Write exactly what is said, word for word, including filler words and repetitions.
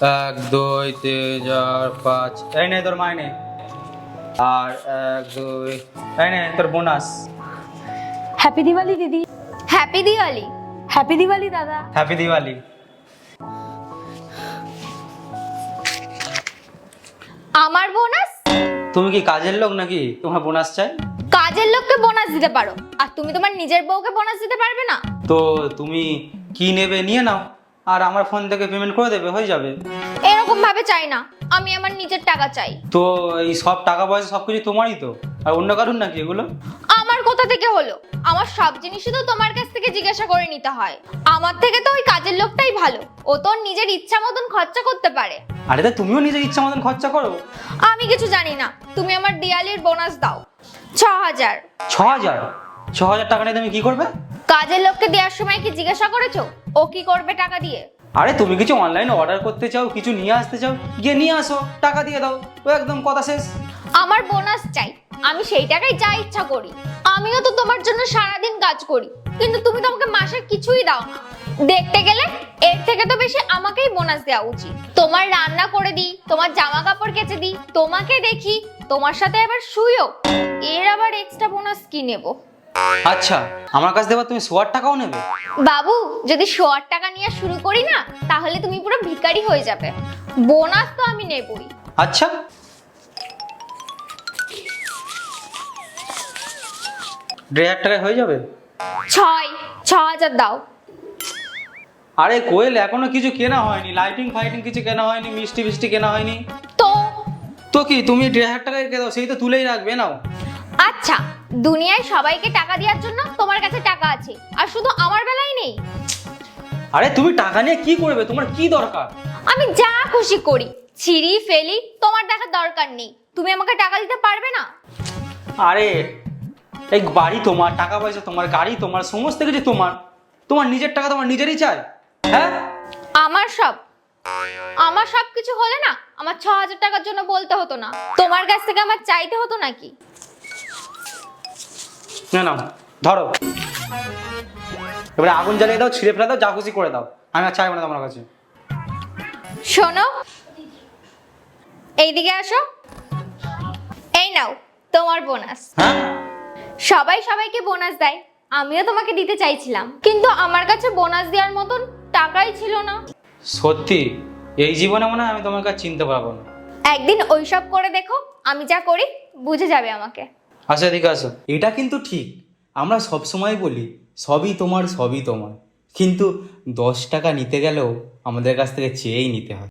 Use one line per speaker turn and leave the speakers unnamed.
এক দুই তিন চার পাঁচ, এই নে তোর মাইনে। আর এক দুই, এই নে তোর বোনাস।
হ্যাপি দিওয়ালি দিদি।
হ্যাপি দিওয়ালি।
হ্যাপি দিওয়ালি দাদা।
হ্যাপি দিওয়ালি।
আমার বোনাস?
তুমি কি কাজের লোক নাকি তোমার বোনাস চাই?
কাজের লোককে বোনাস দিতে পারো, আর তুমি তোমার নিজের বউকে বোনাস দিতে পারবে না?
তো তুমি কি নেবে নিয়ে নাও, আর আমার ফোন থেকে পেমেন্ট করে দেবে, হয়ে যাবে।
এরকম ভাবে চাই না, আমি আমার নিজের টাকা চাই।
তো এই সব টাকা পয়সা সবকিছু তোমারই তো, আর অন্য কারণ নাকি এগুলো?
আমার কোথা থেকে হলো? আমার সব জিনিসই তো তোমার কাছ থেকে জিজ্ঞাসা করে নিতে হয়। আমার থেকে তো ওই কাজের লোকটাই ভালো, ও তো ওর নিজের ইচ্ছা মতন খরচা করতে পারে।
আরে তা তুমিও নিজের ইচ্ছা মতন খরচা করো।
আমি কিছু জানি না, তুমি আমার দিওয়ালির বোনাস দাও। ছ হাজার।
ছ হাজার? ছ হাজার টাকা নিয়ে তুমি কি করবে?
কাজের লোককে দেওয়ার সময় কি জিজ্ঞাসা করেছো ও কি করবে টাকা দিয়ে?
আরে তুমি কিছু অনলাইনে অর্ডার করতে চাও, কিছু নিয়ে আসতে চাও, গিয়ে নিয়ে আসো, টাকা দিয়ে দাও, ও একদম কথা শেষ।
আমার বোনাস চাই, আমি সেই টাকায় যা ইচ্ছা করি। আমিও তো তোমার জন্য সারাদিন কাজ করি, কিন্তু তুমি তো আমাকে মাসে কিছুই দাও না। দেখতে গেলে এর থেকে তো বেশি আমাকেই বোনাস দেওয়া উচিত। তোমার রান্না করে দিই, তোমার জামা কাপড় কেচে দিই, তোমাকে দেখি, তোমার সাথে আবার শুইও, এর আবার এক্সট্রা বোনাস কি নেব?
আচ্ছা, আমার কাছ থেকে তুমি সোয়ার টাকাও নেবে?
বাবু, যদি শোয়ার টাকা নিয়ে শুরু করি না, তাহলে তুমি পুরো ভিখারি হয়ে যাবে। বোনাস তো আমি নেবই।
আচ্ছা, দেড় হাজার টাকায় হয়ে যাবে?
ছয় ছ হাজার দাও।
আরে কোয়েল, এখনো কিছু কেনা হয়নি, লাইটিং ফাইটিং কিছু কেনা হয়নি, মিষ্টি মিষ্টি কেনা হয়নি।
তো
তো কি তুমি দেড় হাজার টাকায় কে দাও, সেই তো তুলেই রাখবে, নাও।
আচ্ছা, দুনিয়ায় সবাইকে টাকা দেওয়ার জন্য তোমার কাছে টাকা আছে, আর শুধু আমার বেলায় নেই?
আরে তুমি টাকা নিয়ে কি করবে, তোমার কি দরকার?
আমি যা খুশি করি, ছিঁড়ি ফেলি, তোমার দেখার দরকার নেই। তুমি আমাকে টাকা দিতে পারবে না?
আরে এই বাড়ি তোমার, টাকা পয়সা তোমার, গাড়ি তোমার, সমস্ত কিছু তোমার, তোমার নিজের টাকা তোমার নিজেরই চাই? হ্যাঁ,
আমার সব আমার সব কিছু হলে না, আমার ছ হাজার টাকার জন্য বলতে হতো না, তোমার কাছ থেকে আমার চাইতে হতো নাকি?
না নাও, ধরো, এবারে আগুন জ্বালিয়ে দাও, ছিঁড়ে ফেলে দাও, যা খুশি করে দাও, আমি আর চাইবো না তোমার কাছে।
শোনো, এইদিকে আসো। এই নাও তোমার বোনাস।
হ্যাঁ,
সবাই সবাইকে বোনাস দেয়, আমিও তোমাকে দিতে চাইছিলাম, কিন্তু আমার কাছে বোনাস দেওয়ার মতন টাকাই ছিল না।
সত্যি এই জীবনে মনে হয় আমি তোমাকে আর চিনতে পারবো না।
একদিন ওইসব করে দেখো, আমি যা করি বুঝে যাবে আমাকে।
আসো, এদিকে আসো।
এটা কিন্তু ঠিক, আমরা সব সময় বলি সবই তোমার সবই তোমার, কিন্তু দশ টাকা নিতে গেলেও আমাদের কাছ থেকে চেয়েই নিতে হয়।